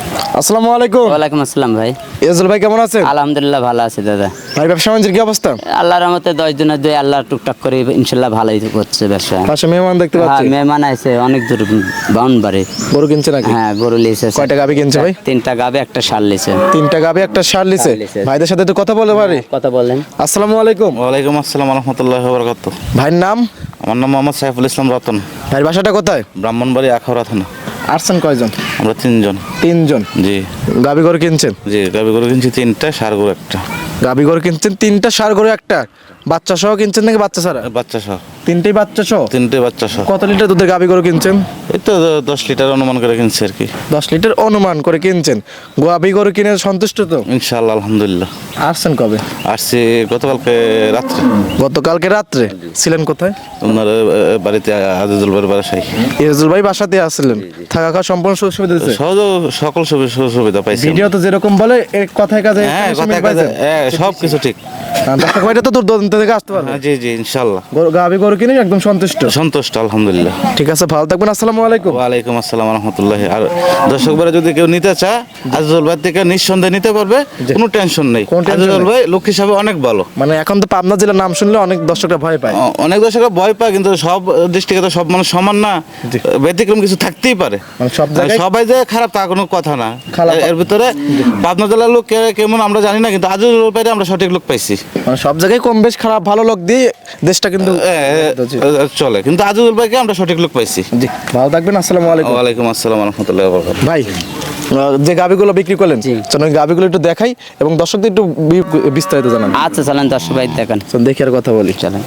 আসসালামু আলাইকুম। ওয়ালাইকুম আসসালাম ভাই। ইয়াজুল ভাই কেমন আছেন? আলহামদুলিল্লাহ ভালো আছে দাদা। ভাই ব্যবসা বাণিজ্যের কি অবস্থা? আল্লাহর রহমতে 10 দিনের দুই আল্লাহ টুকটাক করে ইনশাআল্লাহ ভালোই করছে ব্যবসা। পাশে মেহমান দেখতে হ্যাঁ পাচ্ছি। মেহমান আছে অনেক দূর বাউন্ডারি। গরু কিনছে নাকি? হ্যাঁ গরু লিয়েছে। কয়টা গাবি কিনছে ভাই? 3টা গাবে একটা ষাঁড় লিয়েছে। 3টা গাবি একটা ষাঁড় লিছে। ভাইদের সাথে একটু কথা বলে পারি? কথা বলেন। আসসালামু আলাইকুম। ওয়ালাইকুম আসসালাম রহমতুল্লাহ বরকাত। ভাইয়ের নাম? আমার নাম মোহাম্মদ সাইফুল ইসলাম রতন। ভাইয়ের বাসাটা কোথায়? ব্রাহ্মণবাড়ি আখাউড়া থানা। আসছেন কয়জন? আমরা 3 জন। 3 জন। জি গাবি গরু কিনছেন? জি গাবি গরু কিনছি 3টা, ষাঁড় গরু একটা। গাবি গরু কিনছেন 3টা, ষাঁড় গরু একটা। বাচ্চা সহ কিনছেন নাকি বাচ্চা ছাড়া? বাচ্চা সহ। 3টেই বাচ্চা সহ? 3টে বাচ্চা সহ। কত লিটার দুধের গাবি গরু কিনছেন? এই তো 10 লিটার অনুমান করে কিনছি আর কি। 10 লিটার অনুমান করে কিনছেন। গাবি গরু কিনে সন্তুষ্ট তো? ইনশাআল্লাহ আলহামদুলিল্লাহ। আসছেন কবে? আসছি গতকালকে রাত্রে। গতকালকে রাত্রে? ছিলেন কোথায়? আপনার বাড়িতে আজিজুল ভাইয়ের বাসায়। ইয়াজুল ভাই বাসাতে আসছিলেন? থাকা খাওয়া সম্পূর্ণ সুযোগ সুবিধা দিয়েছে? সহজ সকল সুবিধা পাইছি। ভিডিও তো যেরকম বলে এক কথায় কাজে হ্যাঁ কথায় কাজে সব কিছু ঠিক। দর্শক ভাইটা তো দূর দূরান্ত থেকে আসতে পারবে। হ্যাঁ জি জি ইনশাআল্লাহ। গাবি গরু কিনে একদম সন্তুষ্ট? সন্তুষ্ট আলহামদুলিল্লাহ। ঠিক আছে, ভালো থাকবেন। আসসালামু আলাইকুম। ওয়ালাইকুম আসসালাম রহমতুল্লাহ। আর দর্শক ভাইরা যদি কেউ নিতে চায় আজিজুল ভাই থেকে নিঃসন্দেহে নিতে পারবে, কোনো টেনশন নেই। কোনো tension আজিজুল নেই। ভাই লোক হিসাবে অনেক ভালো। মানে এখন তো পাবনা জেলার নাম শুনলে অনেক দর্শকরা ভয় পায়। অনেক দর্শকরা ভয় পায়, কিন্তু সব ডিস্ট্রিক্টে তো সব মানুষ সমান না, ব্যতিক্রম কিছু থাকতেই পারে। মানে সব জায়গায় সবাই যে খারাপ তা কোনো কথা না। খারাপ। এর ভিতরে পাবনা জেলার লোক কেমন আমরা জানি না, কিন্তু আজিজুল ভাইরে আমরা সঠিক লোক পাইছি। মানে সব জায়গায় কম বেশ খারাপ ভালো লোক দিয়ে দেশটা কিন্তু চলে, কিন্তু আজিজুল ভাইকে আমরা সঠিক লোক পাইছি। জি, ভালো থাকবেন। আসসালামু আলাইকুম। ওয়ালাইকুম আসসালাম রহমতুল্লাহ বরকাতুহু। ভাই যে গাবিগুলো বিক্রি করলেন, চলুন ওই গাবিগুলো একটু দেখাই এবং দর্শকদের একটু বিস্তারিত জানান। আচ্ছা চলেন দর্শক ভাই দেখেন। চলুন দেখি আর কথা বলি। চলেন।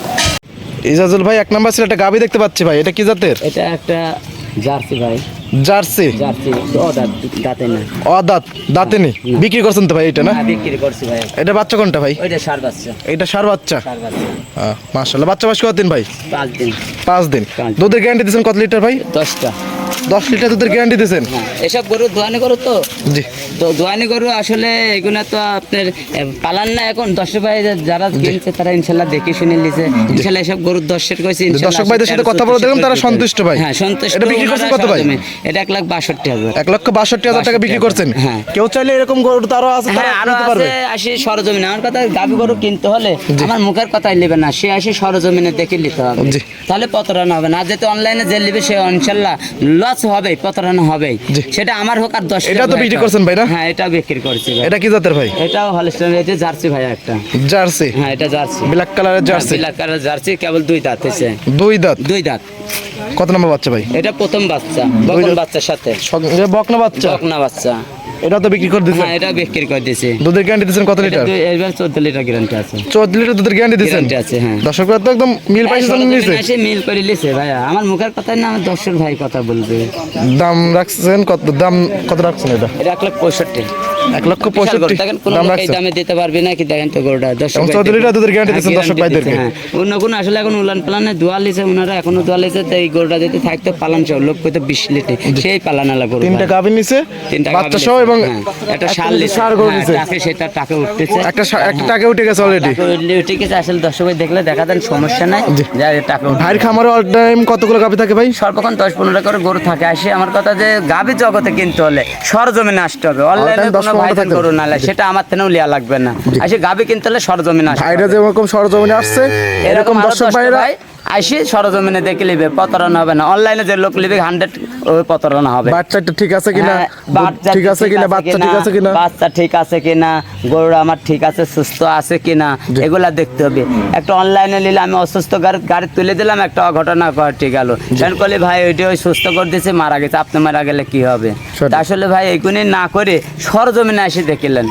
ইজাজুল ভাই, 1 নাম্বার ছিল একটা গাবি দেখতে পাচ্ছি ভাই, এটা কি জাতের? এটা একটা জার্সি ভাই। জার্সি? জার্সি ও দাঁতে না। দাঁত দাঁতে নেই। বিক্রি করছেন তো ভাই এটা? না হ্যাঁ বিক্রি করছি ভাই। এটা বাচ্চা কোনটা ভাই? ওইটা ষাঁড় বাচ্চা। এটা ষাঁড় বাচ্চা? ষাঁড় বাচ্চা। মাশাআল্লাহ। বাচ্চা বয়স কতদিন ভাই? 5 দিন। 5 দিন। দুধের গ্যারান্টি দিয়েছেন কত লিটার ভাই? 10টা। 10 লিটার দুধের গ্যারান্টি দিয়েছেন? এসব গরু দোয়ানি গরু তো। জি। তো দোয়ানি গরু আসলে এগুলো তো আপনার পালান না। এখন দর্শক ভাই যারা কিনছে তারা ইনশাল্লাহ দেখে শুনে নিছে। ইনশাল্লাহ এসব গরুর দর্শের কইছে ইনশাল্লাহ। দর্শক ভাইদের সাথে কথা বলে দেখলাম তারা সন্তুষ্ট ভাই। হ্যাঁ সন্তুষ্ট। এটা বিক্রি করছেন কত ভাই? এটা 1,62,000। 1,62,000 টাকা বিক্রি করছেন? হ্যাঁ। কেউ চাইলে এরকম গরু তো আরো আছে, তারা হ্যাঁ আরো নিতে পারবে। আছে। আসি সরজমিনে। আমার কথা গাবি গরু কিনতে হলে আমার মুখের কথাই নেবে না, সে আসে সরজমিনে দেখে নিতে হবে। জি। তাহলে প্রতারণা হবে না। আর যেহেতু অনলাইনে যে নেবে সে ইনশাল্লাহ লস হবে, প্রতারণা হবে। সেটা আমার হোক আর 10। এটা তো বিক্রি করছেন ভাই না? হ্যাঁ এটা বিক্রি করছি ভাই। এটা কি জাতের ভাই? এটাও হলস্টাইন। এটা জার্সি ভাই একটা। জার্সি? হ্যাঁ এটা জার্সি। ব্ল্যাক কালারের জার্সি? ব্ল্যাক কালার জার্সি, কেবল 2 দাঁত হয়েছে। 2 দাঁত? 2 দাঁত। কত নম্বর বাচ্চা ভাই? এটা প্রথম বাচ্চা, বকন বাচ্চার সাথে। সঙ্গে বকনা বাচ্চা? বকনা বাচ্চা। এটা তো বিক্রি করে দিয়েছেন? হ্যাঁ এটা বিক্রি করে দিয়েছি। দুধের গ্যারান্টি দিয়েছেন কত লিটার? এবার 14 লিটার গ্যারান্টি আছে। 14 লিটার দুধের গ্যারান্টি দিয়েছেন? গ্যারান্টি আছে হ্যাঁ। দর্শকরা তো একদম মিল পাইছে নিছে। এসে মিল করে লিছে ভাইয়া। আমার মুখের কথাই না, আমার দর্শক ভাই কথা বলবে। দাম রাখছেন কত? দাম কত রাখছেন এটা? এটা 1,65,000। 1,65,000 দেখেন কোন দাম লোক এই রাখছেন? দামে দিতে পারবে না কি? দেখেন তো গরুটা দর্শক এবং ভাই 14 লিটার দুধের গ্যারান্টি হ্যাঁ, দিয়েছেন দর্শক guarantee ভাইদেরকে? দিচ্ছে, হ্যাঁ। অন্য কোন আসলে এখন উলান পালানে দোয়া লিছে ওনারা, এখনো দোয়া লিছে। তো এই গরুটা যদি থাকতো পালান সহ লোক কইতো 20 লিটার, সেই পালানালা গরু। 3টা গাভী নিছে, 3টা বাচ্চা সহ এবং একটা ষাঁড় লিছে। ষাঁড় গরু নিছে। টাকে সেটা টাকে উঠতেছে। একটা টাকা উঠে গেছে অলরেডি। উঠে গেছে। আসলে দর্শক ভাই দেখলে দেখা দেন, সমস্যা নাই। যা টাকা ভাইয়ের খামারে অল টাইম কতগুলো গাভী থাকে ভাই? সর্বক্ষণ 10-15টা করে গরু থাকে। আসে আমার কথা যে গাভী জগতে কিনতে হলে সরজমিনে আসতে হবে। অনলাইনে কোনো ভাইজান গরু না লাগে, সেটা আমার থেকেও লিয়া লাগবে না। আসে গাভী কিনতে হলে সরজমিনে আসতে হবে। ভাইরা যেরকম সরজমিনে আসছে এরকম দর্শক ভাইরা আসি সরজমিনে দেখে নিবে, প্রতারণা হবে না। অনলাইনে যে লোক লিবে 100 ওই প্রতারণা হবে। বাচ্চাটা ঠিক আছে কিনা, হ্যাঁ, ঠিক আছে কিনা, বাচ্চা ঠিক আছে কিনা, বাচ্চা ঠিক আছে কিনা, গরুটা আমার ঠিক আছে, সুস্থ আছে কিনা, এগুলা দেখতে হবে। একটা অনলাইনে নিলে আমি অসুস্থ গাড়ি তুলে দিলাম, একটা অঘটনা ঘটে গেল। সেন করলে ভাই ওইটা ওই সুস্থ করে দিয়েছে, মারা গেছে, আপনি মারা গেলে কি হবে? তা আসলে ভাই এইগুলি না করে সরজমিনে এসে দেখিলেন।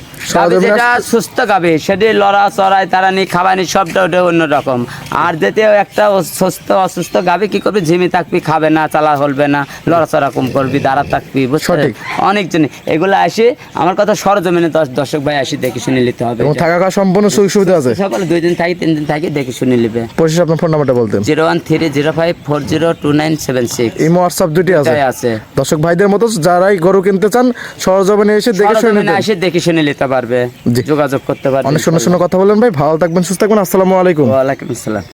যেটা সুস্থ গাবে সেটি লড়া চড়াই তারা নিয়ে খাবানি সবটা ওটা অন্যরকম। আর যেতে একটা সুস্থ অসুস্থ গাবে কি করবি, ঝিমি থাকবি, খাবে না, চালা হলবে না, লড়াচড়া কম করবি, দাঁড়া থাকবি, বুঝছেন? অনেক জিনিস এগুলো আসে আমার কথা সরজমিনে দর্শক ভাই আসি দেখে শুনে নিতে হবে। থাকা খাওয়া সম্পূর্ণ সুযোগ সুবিধা আছে? সকালে 2 দিন থাকি 3 দিন থাকি, দেখে শুনে নিবে। পরিশেষে আপনার ফোন নাম্বারটা বলতেন? 01305402976। এই হোয়াটসঅ্যাপ দুটি আছে। দর্শক ভাইদের মতো যারাই গরু কিনতে চান সরজমিনে এসে দেখে শুনে নিতে পারবে, যোগাযোগ করতে পারবে। অনেক সুন্দর সুন্দর কথা বললেন ভাই, ভালো থাকবেন, সুস্থ থাকবেন। আসসালামু আলাইকুম। ওয়া আলাইকুম আসসালাম।